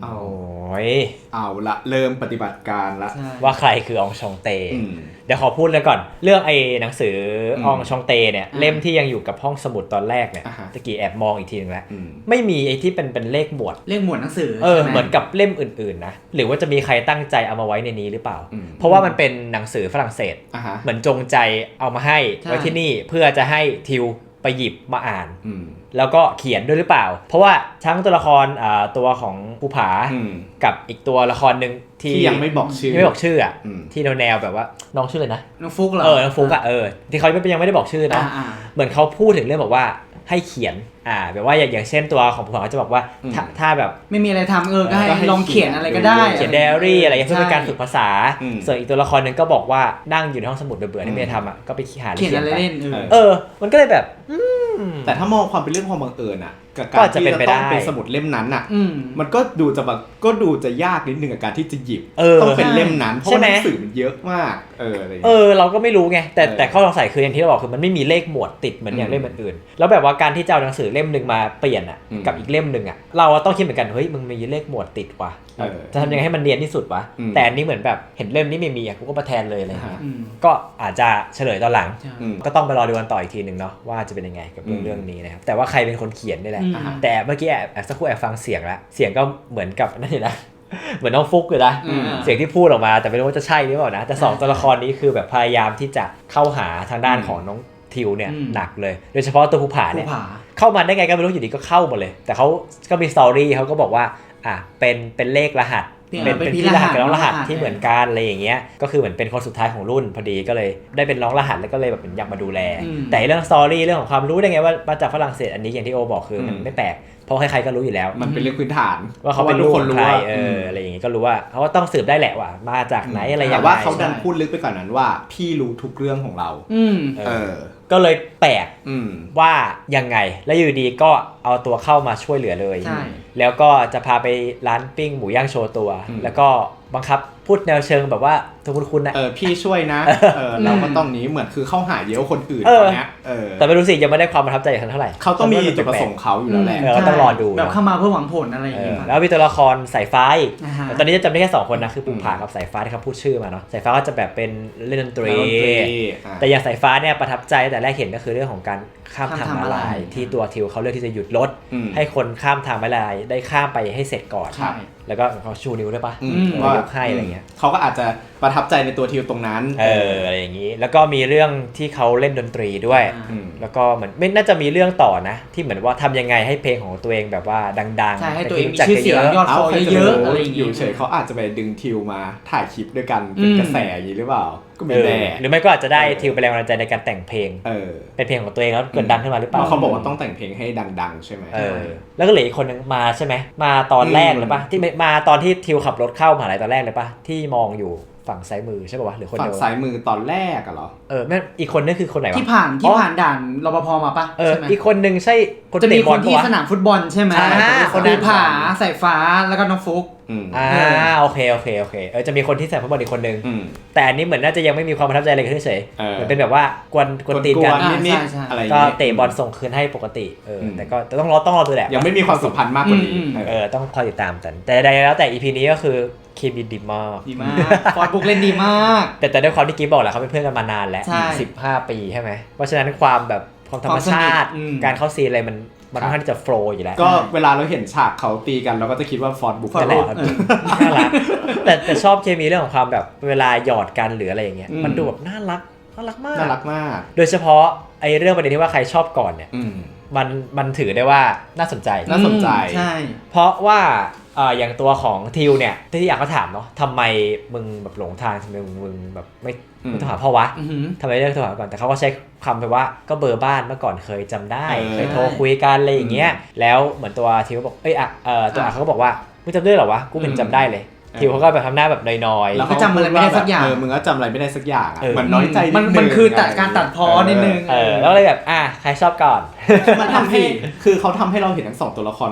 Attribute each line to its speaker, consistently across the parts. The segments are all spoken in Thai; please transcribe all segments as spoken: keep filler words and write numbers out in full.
Speaker 1: โอ้ย
Speaker 2: เอาละเริ่มปฏิบัติการละ
Speaker 1: ว่าใครคืออองชองเตเดี๋ยวขอพูดเลยก่อนเรื่องไอ้หนังสืออองชองเตเนี่ยเล่มที่ยังอยู่กับห้องสมุดตอนแรกเนี่ยตะกี้แอบมองอีกทีนึงแล้วไม่มีไอ้ที่เป็นเป็นเลขหมวด
Speaker 3: เลขหมวดหนังสือ
Speaker 1: เออเหมือนกับเล่มอื่นๆนะหรือว่าจะมีใครตั้งใจเอามาไว้ในนี้หรือเปล่าเพราะว่ามันเป็นหนังสือฝรั่งเศสเหมือนจงใจเอามาให้ไว้ที่นี่เพื่อจะให้ทิวไปหยิบมาอ่านแล้วก็เขียนด้วยหรือเปล่าเพราะว่าทั้งตัวละครอ่าตัวของภูผากับอีกตัวละครนึง
Speaker 2: ที่ยังไม่บอกชื่อ
Speaker 1: ไม่บอกชื่ออ่ะที่แนวๆแบบว่าน้องชื่ออะไรนะ
Speaker 3: น้องฟุกเหรอ
Speaker 1: เออน้องฟุกอ่ะเออที่เขายังไม่ได้บอกชื่อนะเหมือนเขาพูดถึงเรื่องบอกว่าให้เขียนอ่าแบบว่าอย่างเช่นตัวของภูผาจะบอกว่าถ้าแบบ
Speaker 3: ไม่มีอะไรทำเออก็ให้ลองเขียนอะไรก็ได้
Speaker 1: เขียนไดอารี่อะไรเพื่อเป็นการฝึกภาษาส่วนอีกตัวละครนึงก็บอกว่านั่งอยู่ในห้องสมุดเบื่อๆที่ไม่ได้ทำอ่ะก็ไปหา
Speaker 3: เขียนอะไรเล่น
Speaker 1: เออมันก็เลยแบบ
Speaker 2: แต่ถ้ามองความเป็นเรื่องความบังเอิญอ่ะกับการที่จะต้องเป็นสมุดเล่มนั้นอ่ะมันก็ดูจะแบบก็ดูจะยากนิดนึงกับการที่จะหยิบต้องเป็นเล่มนั้นเพราะว่าหนังสือมันเยอะมากเอออะไร
Speaker 1: เออเราก็ไม่รู้ไงแต่แต่ข้อสงสัยคืออย่างที่เราบอกคือมันไม่มีเลขหมวดติดเหมือนอย่างเล่มอื่นๆแล้วแบบว่าการที่จะเอาหนังสือเล่มนึงมาเปลี่ยนอ่ะกับอีกเล่มนึงอ่ะเราต้องคิดเหมือนกันเฮ้ยมึงมีเลขหมวดติดว่ะจะทำยังไงให้มันเนียนที่สุดวะแต่อันนี้เหมือนแบบเห็นเล่มนี้ไม่มีอ่ะกูก็มาแทนเลยอะไรเงี้ยก็อาจจะเฉลยตอนหลังก็ต้องไปรอดูกันต่ออีกทีนึงเนาะว่าจะเป็นยังไงกับเรื่องเรื่องนี้นะครับแต่ว่าใครเป็นคนเขียนนี่แหละแต่เมื่อกี้แอบสักครู่แอบฟังเสียงแล้วเสียงก็เหมือนกับนั่นเลยนะเหมือนน้องฟุกเลยนะเสียงที่พูดออกมาแต่ไม่รู้ว่าจะใช่หรือเปล่านะแต่สองตัวละครนี้คือแบบพยายามที่จะเข้าหาทางด้านของน้องทิวเนี่ยหนักเลยโดยเฉพาะตัวภูผาเนี่ยเข้ามาได้ไงก็ไม่รู้อยู่ดีก็เข้าหมดเลยแต่เขาก็มีสตอรี่เขาก็บอกว่าอ่ะเป็นเป็นเลขรหัสเป็นเป็นพี่รหัสกับน้องรหัสที่เหมือนกันอะไรอย่างเงี้ยก็คือเหมือนเป็นคนสุดท้ายของรุ่นพอดีก็เลยได้เป็นน้องรหัสแล้วก็เลยแบบอยากมาดูแลแต่เรื่องสตอรี่เรื่องของความรู้ได้ไงว่ามาจากฝรั่งเศสอันนี้อย่างที่โอบอกคือมันไม่แปลกเพราะใครๆก็รู้อยู่แล้ว
Speaker 2: มันเป็นเรื่องพื้นฐาน
Speaker 1: ว่าเขาเป็นลูกคนใครเอออะไรอย่างงี้ก็รู้ว่าเขาก็ต้องสืบได้แหละว่ามาจากไหนอะไรอย่าง
Speaker 2: เงี้ยแต่ว่าเขาดันพูดลึกไปกว่านั้นว่าพี่รู้ทุกเรื่องของเรา
Speaker 1: เออก็เลยแปลกว่ายังไงแล้วอยู่ดีก็เอาตัวเข้ามาช่วยเหลือเลยแล้วก็จะพาไปร้านปิ้งหมูย่างโชว์ตัวแล้วก็บังคับพูดแนวเชิงแบบว่าทุกคุณนะ
Speaker 2: เออพี่ช่วยนะเออเราก็ต้องนี้เหมือนคือเข้าหาเยอะคนอื่นตอนเนี้ยเออ
Speaker 1: แต่ไม่รู้สิยังไม่ได้ความประทับใจเท่าไหร่
Speaker 2: เขาต้องมีจุดประสงค์เขาอยู่แล้วแหละ
Speaker 1: ก็ต้องรอดู
Speaker 3: แบบเข้ามาเพื่อหวังผลอะไรอย่างเงี้ย
Speaker 1: แล้วมีตัวละครสายฟ้าตอนนี้จะจำได้แค่สองคนนะคือภูผากับสายฟ้าที่เขาพูดชื่อมาเนาะสายฟ้าก็จะแบบเป็นเล่นดนตรีแต่อย่างสายฟ้าเนี่ยประทับใจแต่แรกเห็นก็คือเรื่องของการข้ามทางม้าลายที่ตัวทิวเขาเลือกที่จะหยุดรถให้คนข้ามทางม้าลายได้ข้ามไปให้เสร็จก่อนแล้วก็เขาชูนิ้วด้วยปะว่ายกให้อะไรเงี้ย
Speaker 2: เขาก็อาจจะประทับใจในตัวทิวตรงนั้น
Speaker 1: เอออะไรอย่างนี้แล้วก็มีเรื่องที่เขาเล่นดนตรีด้วยแล้วก็เหมือนไม่น่าจะมีเรื่องต่อนะที่เหมือนว่าทำยังไงให้เพลงของตัวเองแบบว่าดังๆ
Speaker 3: ใช่ให้ตัวเองมีชื่อเสียงยอดฟอลเยอะอะไรอย่างงี้
Speaker 2: อยู่เฉยเขาอาจจะไปดึงทิวมาถ่ายคลิปด้วยกันเป็นกระแสอย่างนี้หรือเปล่าก็ไม่แน่
Speaker 1: หรือไม่ก็อาจจะได้ทิวไปแรงบันดาลใจในการแต่งเพลงเออเป็นเพลงของตัวเองแล้วเกิดดังขึ้นมาหรือเปล่า
Speaker 2: เขาบอกว่าต้องแต่งเพลงให้ดังๆใช่ไหม
Speaker 1: เออแล้วก็เหลืออีกคนนึงมาใช่ไหมมาตอนแรกเลยปะที่มาตอนที่ทิวขับรถเข้ามหาลัยตอนแรกเลยปะที่มองอยู่ฝั่งซ้ายมือใช่ป่าววะหรือคนเดียว
Speaker 2: ฝั่งซ้ายมือตอนแรกอะเหรอ
Speaker 1: เออแม่อีกคนนึงคือคนไหนวะ
Speaker 3: ที่ผ่านที่ผ่านด่านรปภมาปะ
Speaker 1: เอออีกคนนึงใช่
Speaker 3: คนเตะบอลที่สนามฟุตบอลใช่ไหมคนภูผาสายฟ้าแล้วก็น้องฟุก
Speaker 1: อ่าโอเคโอเคโอเคเออจะมีคนที่ใส่ฟุตบอลอีกคนนึงแต่อันนี้เหมือนน่าจะยังไม่มีความประทับใจอะไรกันเฉยๆเหมือนเป็นแบบว่ากวนกวนตีนกัน
Speaker 2: นิดๆอะไร
Speaker 1: ก็เตะบอลส่งคืนให้ปกติเออแต่ก็ต้องรอต้องรอดูแหละ
Speaker 2: ยังไม่มีความสัมพันธ์มากกว่านี้
Speaker 1: เออต้องคอยติดตามกันแต่ใดๆแล้วแต่ อี พี นี้ก็คือเคมีดีมาก
Speaker 3: ดีมากฟอร์ดบุ๊กเล่นดีมาก
Speaker 1: แต่แต่ด้วยความที่กิ๊บบอกแหละเขาเป็นเพื่อนกันมานานแล้วสิบห้าปีใช่ไหมเพราะฉะนั้นความแบบความธรรมชาติการเข้าซีนอะไรมันมันค่อนข้างจะโฟล์อยู่แล้ว
Speaker 2: ก็เวลาเราเห็นฉากเขาตีกันเราก็จะคิดว่าฟอร์ดบุ๊ก
Speaker 1: นั่นแหละน่ารักแต่แต่ชอบเคมีเรื่องของความแบบเวลาหยอดกันหรืออะไรอย่างเงี้ยมันดูแบบน่ารักน่ารักมาก
Speaker 2: น่ารักมาก
Speaker 1: โดยเฉพาะไอ้เรื่องประเด็นที่ว่าใครชอบก่อนเนี่ยมันมันถือได้ว่าน่าสนใจ
Speaker 2: น่าสนใจ
Speaker 3: ใช่
Speaker 1: เพราะว่าอ่าอย่างตัวของทิวเนี่ยที่อยากเขาถามเนาะทำไมมึงแบบหลงทางทำไมมึงแบบไม่ไม่โทรหาพ่อวะทำไมเลือกโทรหาก่อนแต่เขาก็ใช้คำไปว่าก็เบอร์บ้านเมื่อก่อนเคยจำได้เคยโทรคุยกันอะไรอย่างเงี้ยแล้วเหมือนตัวทิวบอกเอ้ยอ่ะเออตัวอ่ะเขาก็บอกว่ามึงจำได้เหรอวะกูเป็นจำได้เลยทิวเขาก็แบบทำหน้าแบบน้อยๆ
Speaker 3: แล้วก็จำอะไรไม่ได้สักอย่าง
Speaker 2: เออมึงก็จำอะไรไม่ได้สักอย่างเหมือนน้อยใจนิดนึง
Speaker 3: มันคือตัดการตัดพ้อนิดนึง
Speaker 1: เออแล้วเลยแบบอ่ะใครชอบก่อน
Speaker 2: มันทำให้คือเขาทำให้เราเห็นทั้งสองตัวละครว่า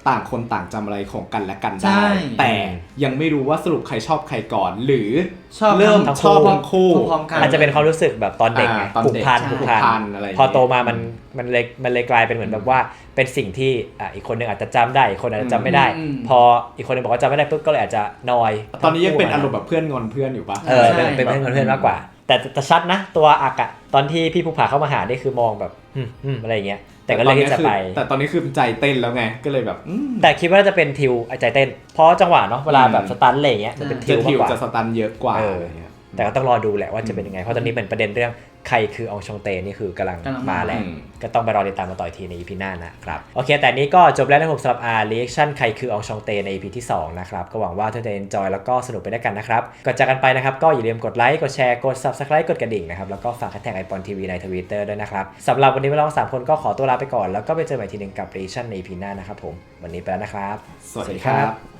Speaker 2: ต่างคนต่างจำอะไรของกันและกันได้แต่ยังไม่รู้ว่าสรุปใครชอบใครก่อนหรือเริ่มชอบทั้งคู่
Speaker 1: อาจจะเป็นความรู้สึกแบบตอนเด็กไงผูกพันผูกพันพอโตมามันมันเลยมันเลยกลายเป็นเหมือนแบบว่าเป็นสิ่งที่อ่ะอีกคนนึงอาจจะจำได้อีกคนอาจจะจำไม่ได้พออีกคนนึงบอกว่าจำไม่ได้ปุ๊บก็เลยอาจจะนอย
Speaker 2: ตอนนี้ยังเป็นอารมณ์แบบเพื่อนงอนเพื่อนอยู่ปะ
Speaker 1: เออเป็นเพื่อนงอนเพื่อนมากกว่าแต่แต่ชัดนะตัวอักอะตอนที่พี่ภูผาเข้ามาหานี่คือมองแบบอืมอืมอะไรอย่างเงี้ยแต่ก็เลยที่จะไป
Speaker 2: แต่ตอนนี้คือใจเต้นแล้วไงก็เลยแบบ
Speaker 1: แต่คิดว่าจะเป็นทิวใจเต้นเพราะจังหวะเนาะเวลาแบบสตันอะไรอย่างเงี้ยจะเป็นทิวมากกว่า
Speaker 2: จะสตันเยอะกว่า
Speaker 1: แต่ก็ต้องรอดูแหละว่าจะเป็นยังไงเพราะตอนนี้เป็นประเด็นเรื่องใครคืออองชองเตนี่คือกำลังมาแหละก็ต้องไปรอติดตามมาต่อทีใน อี พี หน้านะครับโอเคแต่นี้ก็จบแล้วนะผมสำหรับ R Reaction ใครคืออองชองเตใน อี พี ที่สองนะครับก็หวังว่าทุกท่านจะ enjoy แล้วก็สนุกไปด้วยกันนะครับก่อนจากกันไปนะครับก็อย่าลืมกดไลค์กดแชร์กด Subscribe กดกระดิ่งนะครับแล้วก็ฝากแท็กไอปอนทีวีใน Twitter ด้วยนะครับสำหรับวันนี้เราสามคนก็ขอตัวลาไปก่อนแล้วก็ไปเจอกันใหม่ทีนึงกับ Reaction ใน อี พี หน้านะครับผมวันนี้ไปแล้วนะครับ
Speaker 2: สวัสดีครับ